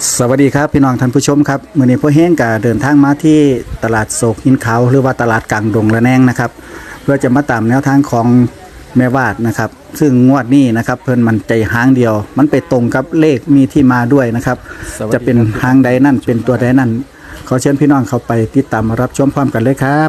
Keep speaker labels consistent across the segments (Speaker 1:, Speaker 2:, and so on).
Speaker 1: สวัสดีครับพี่น้องท่านผู้ชมครับมื้อนี้พ่อเฮงก็เดินทางมาที่ตลาดโศกหินขาวหรือว่าตลาดกลางดงละแนงนะครับเพื่อจะมาตามแนวทางของแม่วาดนะครับซึ่งงวดนี้นะครับเพิ่นมันใจหางเดียวมันไปตรงกับเลขมีที่มาด้วยนะครับจะเป็นหางใดนั่นเป็นตัวใดนั่นขอเชิญพี่น้องเข้าไปติดตามรับชมพร้อมกันเลยครับ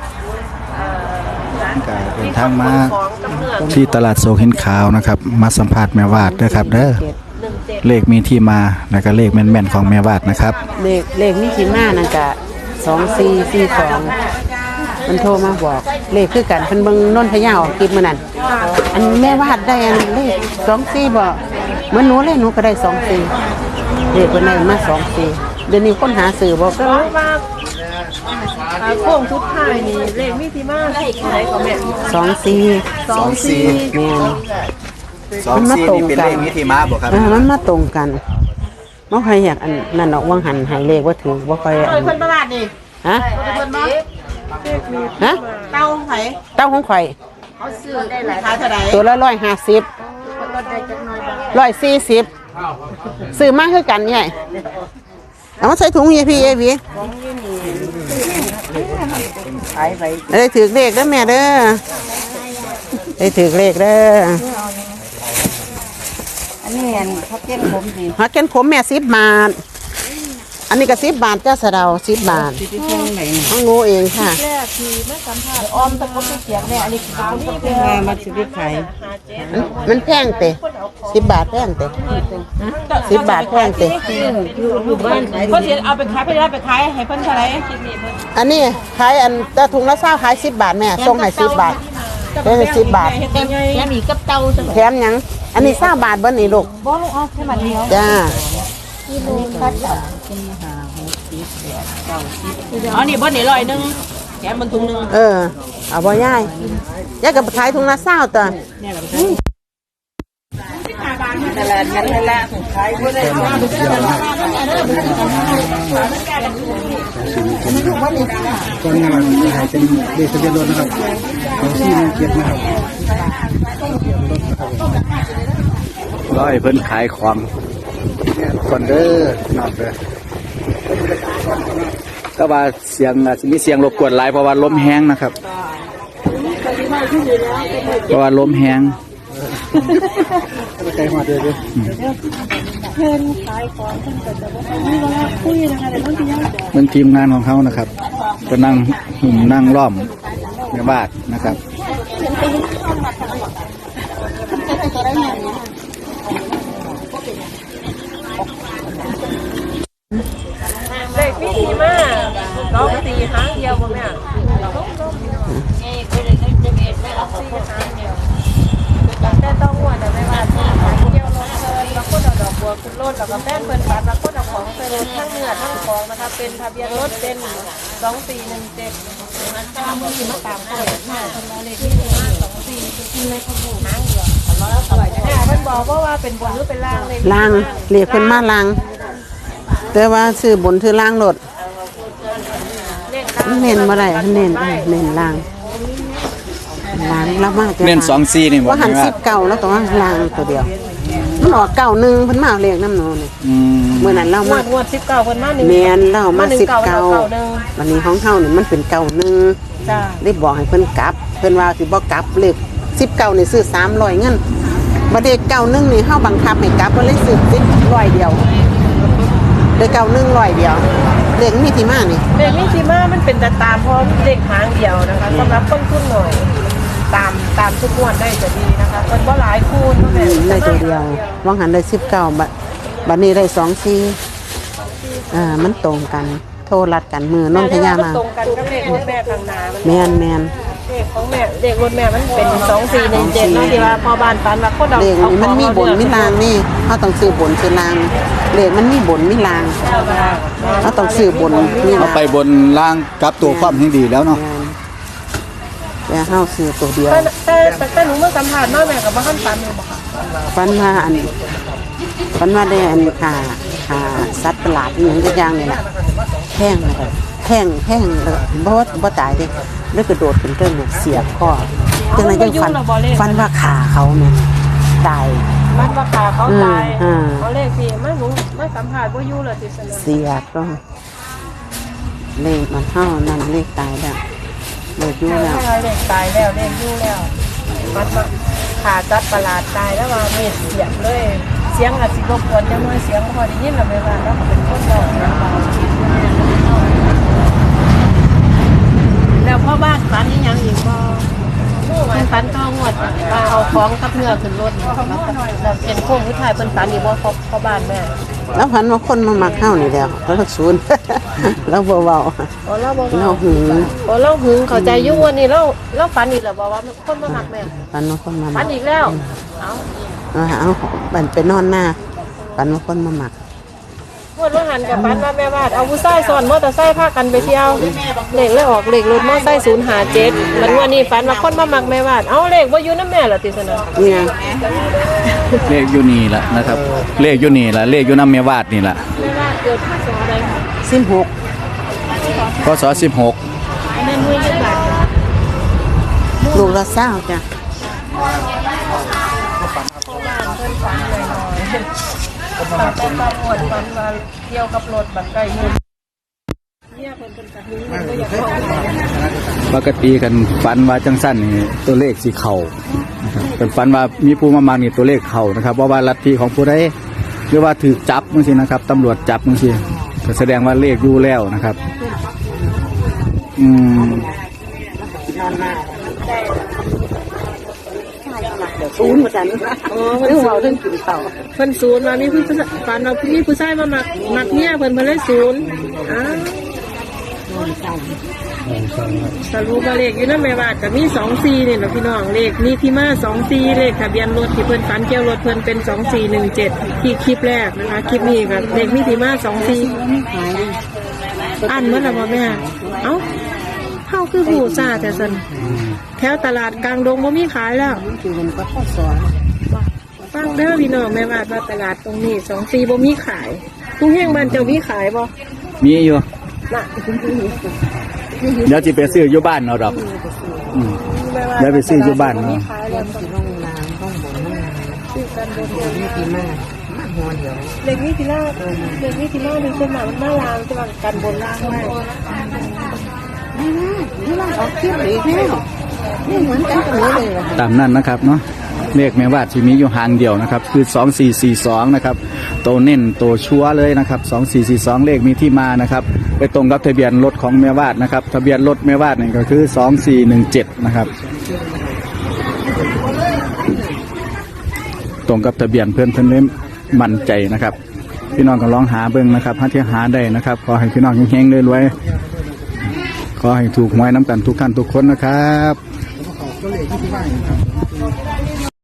Speaker 1: ก็เดินทางมาที่ตลาดโศกหินขาวนะครับมาสัมภาษณ์แม่วาดนะครับเด้อเลขมีที่มาแล้วก็เลขแม่นๆของแม่วาดนะครับ
Speaker 2: เลขมีที่มานั่นก็2442มันโทรมาบอกเลขคือกันเพิ่นเบิ่งนนทยาออกคลิปมื้อนั้นอันแม่วาดได้อันเลข24บ่เหมือนหนูเลยหนูก็ได้24เลขเพิ่นได้มา24เดี๋ยวนี้คนหาซื้อบ่ก็
Speaker 3: ว่าโค้งสุดท้ายนี่เลขมีที่มาได้ก็แม่
Speaker 2: 24แม่น
Speaker 1: 24นี่เป็นเลขมีที่มาบ่ครับ
Speaker 2: มันมาตรงกันบ่ใครอยากอันนั่นดอกว่างหันให้เลขบ่ถูกบ่ค่อยอัน
Speaker 3: เพิ่นตลาดนี่
Speaker 2: ฮะ
Speaker 3: เพิ่นบ่
Speaker 2: ฮะ
Speaker 3: เต้าของไผ
Speaker 2: เต้าของข่อย
Speaker 3: เขาซื้อได้หลายขายเท่าใด
Speaker 2: ตัวละ150
Speaker 3: ลดได้จักหน่อย
Speaker 2: 140ซื้อมาคือกันใหญ่เอามาใส่ถุงยายพี่เอวีได้ถือเลขเด้อแม่เด้อได้ถือเลขเด้อ
Speaker 3: อันนี้เขาเก็บผมดี
Speaker 2: ฮักเก็นผมแม่10 บาทอันนี้ก็10 บาทจ้าสะเดา10 บาทของงูเองค่ะ
Speaker 3: แรกคือแม่สัมภาษณ์ออมตะกบเสียงแม่อันนี้ขาวนี่เป็นไงมาชีวิตไผ
Speaker 2: มันแพงเตะ10 บาทแพงเตะ10 บาทแพงเตะ
Speaker 3: อยู่บ้านเพิ่นสิเอาไปขายไปขายให้เพิ่นเท่าไหร่
Speaker 2: อันนี้ขายอันแต่ถุงละ20ขาย10 บาทแม่ส่งให้10 บาทได้10 บาท
Speaker 3: แถมอีกกับเตาจัง
Speaker 2: แถมหยังอันนี้20 บาทเบิ่นี่ลูก
Speaker 3: บ่ลูกเอาแค่บาทเดียว
Speaker 2: จ้า
Speaker 3: กิโลคัดอ๋อนี่บ่นี่100แถมมันถุงนึง
Speaker 2: เอาบ่ยายก็ขายถุงละ20ตัว
Speaker 3: ตลาดนั้นละขายบ่ได้
Speaker 1: ก็งานขายเป็นเลขทะเบียนรถนะครับ2417นะครับร้อยเพิ่นขายของคนเด้อนอกเด้อก็ว่าเสียงอาจจะมีเสียงรบกวนหลายเพราะว่าลมแห้งนะครับเพราะว่าลมแห้งใจหัวเด้อ
Speaker 3: เพิ่นขายของเพิ่นก็จะบ่มีเวลาคุยนะคะแต่บางทียัง
Speaker 1: เป็นทีมงานของเขานะครับก็นั่งหุ่มนั่งล้อมในบ้านนะครับ
Speaker 3: เลขมีที่มา2-4หางเดียวบ่แม่แต่ต้องหัวแต่ไม่ว่าที่ขายเกี่ยวรถเพิ่นแล้วก็ดอกบัวขึ้นรถแล้วก็แป้งเพิ่นปัดแล้วก็เอาของใส่รถทั้งเนื้อทั้งของนะคะเป็นทะเบียนรถเป็น2417มันตามที่มาตามเขาเลยค่ะเพิ่นว่าเลขที่24กินเลยเขาบูหางเดียวเพิ่นบอกว่าเป็นบนหรือเป็นล่างเลย
Speaker 2: ล่างเรียกเพิ่นมาล่างแต่ว่าซื้อบนซื้อล่างรถเน้นบ่ได้เน้นล่างแล้วมาก
Speaker 1: เน้น24นี่บ่
Speaker 2: ว่าหัน19แล้วก็ว่าล่างตัวเดียวมันออก91เพิ่นมาเลขน้ำหนูนี่มื้อนั้นเรามาง
Speaker 3: วด19เพิ่นมา1
Speaker 2: แม่นเรามา19วันนี้ของเฮานี่มันเป็น91จ้าได้บอกให้เพิ่นกลับเพิ่นว่าสิบ่กลับเลข19นี่ซื้อ300เงินบ่ได้91นี่เฮาบังคับให้กลับบ่เลยซื้อ100เดียวได้9100เดียวเลขมีที่มานี่
Speaker 3: เลขมีที่มามันเป็นแต่ตามพร้อมเลขหางเดียวนะคะสำหรับต้นทุนหน่อยตามทุกงวดได้จะดีนะคะเพิ่นบ่หลายคูณ
Speaker 2: ได้ตัวเดียววางหันได้19บัดนี้ได้24มันตรงกันโทรรัดกันมือนนทยามา
Speaker 3: ตรงกันกับเลขรถแม่ข้างหน้า
Speaker 2: แม่น
Speaker 3: เลขของแม่เลขรถแม่มันเป็น2417เนาะที่ว่าพอบ้านปันว่าคนเอา
Speaker 2: เลขนี้มันมีบนมีล่างนี่เฮาต้องซื้อบนซื้อล่างเลขมันมีบนมีล่างเฮาต้องซื้อบนมี
Speaker 1: เอาไปบนล่างกับตัวความให้ดีแล้วเนาะ
Speaker 2: แต่เฮาซื้อตัวเดียว
Speaker 3: แต่หนูเมื่อสัมภาษณ์มาแม่ก็บ่ทันปันเลยบ่ค่ะ
Speaker 2: ปันว่าได้อันค่าสัตว์ประหลาดอีหยังอย่างนี่ล่ะแห้งเลยแห้งเลยบ่ตายเด้แล้วกระโดดขึ้นเทิงเสียบคอจังได๋จังฟันว่าขาเขาเนี่ยตาย
Speaker 3: มันว่าขาเขาตาย
Speaker 2: อืม
Speaker 3: เขาเลขพี่มาหนูมาสัมผัสว่าอยู่เลยติสนะ
Speaker 2: เสียก็เลขมันเท่านั้นเลขตายแล้วเลขอยู่แล้ว
Speaker 3: เลขตายแล้วเลขอยู่แล้วมันมาขาจัดประหลาดตายแล้วว่าเม็ดเสียงเลยเสียงอาจสิรบกวนจังเลยเสียงพอได้ยินแล้วไม่ว่าแล้วก็เป็นคนเบาเสียงเบาแล้วพ่อบ้านฝันยังอีกบ่มันฝันต้องงวดว่าเอาของกับเนื้อขึ้นรถแล้วเป็นโค้งผู้ชายเป็นฝันอีกบ่พ่อบ้านแม่
Speaker 2: แล้วพันว่าคนมามักเข้านี่แล้วแล้วก็ศูนย์ แล้วเบา
Speaker 3: อ๋อเราบอก
Speaker 2: ๆเราหึง
Speaker 3: อ๋อเราหึงเข้าใจอยู่วันนี้เราฝันอีกแล้วบอกว่าคนมาหักแม่
Speaker 2: พันว่าคนมา
Speaker 3: ฝั
Speaker 2: มั
Speaker 3: น
Speaker 2: ก
Speaker 3: อีกแล้วเอา
Speaker 2: เอาบันไปนอนหน้าพันว่าคนมามัก
Speaker 3: พวดว่าหันกับฝันว่าแม่วาดเอาผู้ชายซ้อนมอเตอร์ไซค์พากันไปเที่ยวเลขเลยออกเลขรถมอเตอร์ไซค์057มันวันนี้ฝันว่าคนมามักแม่วาดเอาเลขว่าอยู่น้ำแม่ล่ะติสนะ
Speaker 2: เนี่ย
Speaker 1: เลขอยู่นี่ละนะครับเลขอยู่นี่ละเลขอยู่น้ำเมียวาดนี่ละ
Speaker 3: แม่วาดเกิดพศอะไรคะ
Speaker 2: 16
Speaker 1: พศ16
Speaker 3: แม่นุ้ยจังหวัด
Speaker 2: ลูกละเศร้าจ้ะ
Speaker 3: พ่อบ้านเพิ่นฝันหน่อยๆตั้งแต่ตอนหมดฝันว่าเกี่ยวกับรถบันไดเงินเนี่ยเพิ่นเป็นกระหือมันก็อยากเข้า
Speaker 1: ปกติกันฝันว่าจังสั้นนี่ตัวเลขสีเข่านะครับเป็นฝันว่ามีผู้มานี่ตัวเลขเข่านะครับเพราะว่าลัทธิของผู้ใดหรือว่าถือจับมั้งสินะครับตำรวจจับมั้งสิก็แสดงว่าเลขอยู่แล้วนะครับ
Speaker 2: นอนหน้าศูนย์เหมือนกัน
Speaker 3: อ๋อ
Speaker 2: เรื่องเมาเรื่องกินเต่า
Speaker 3: เพิ่นศูนย์มามีผู้ฝันเรามีผู้ชายมามักเนี่ยเพิ่นเลยศูนย์อ้าวสรุปว่าเลขอยู่นำแม่วาดก็มี24นี่แหละพี่น้องเลขมีที่มา24เลขทะเบียนรถที่เพิ่นฝันเกี่ยวรถเพิ่นเป็น2417ที่คลิปแรกนะคะคลิปนี้ก็เลขมีที่มา24อันเมื่อไหร่บ่แม่เอ้าเฮาคือหูซ่าแต่ซั่นแถวตลาดกลางดงบ่มีขายแล้ว
Speaker 2: คือมันก็ข้อสอน
Speaker 3: ฟังเด้อพี่น้องแม่วาดว่าตลาดตรงนี้24บ่มีขายผู้แห่งบ้านเจ้ามีขายบ่
Speaker 1: มีอยู่
Speaker 3: น่ะ
Speaker 1: เดี๋ยวจะไปซื้ออยู่บ้านเอาดอกเดี๋ยวไปซื้ออยู่บ้าน
Speaker 3: มี
Speaker 1: เนาะ
Speaker 3: ขายแล้ว
Speaker 2: ที่ร่องน้ำร่องบ่อน้
Speaker 3: ซื้อกันบน
Speaker 2: ำนี่ปีมากมากหัวเดียว
Speaker 3: เด็กนี่ทีล่าเด็กนี่ทีล่ามีคนมามันมาลางจะมากันบนล่างไว้
Speaker 2: นี่เราออกคลิปอีกแล้วนี่เหมือนกันกับนี้เลยว่ะ
Speaker 1: ตามนั้นนะครับเนาะเลขแม่วาดที่มีอยู่หางเดียวนะครับคือ2442นะครับโตวเน้นโตวชัวร์เลยนะครับ2442เลขมีที่มานะครับไปตรงกับทะเบียนรถของแม่วาดนะครับทะเบียนรถแม่วาดนี่ก็คือ2417นะครับตรงกับทะเบียนเพื่อนเล่มมั่นใจนะครับพี่น้องก็ลองหาเบิ่งนะครับถ้าที่หาได้นะครับขอให้พี่น้องเฮงๆรวยๆขอให้ถูกหวยน้ำกันทุกท่านทุกคนนะครับ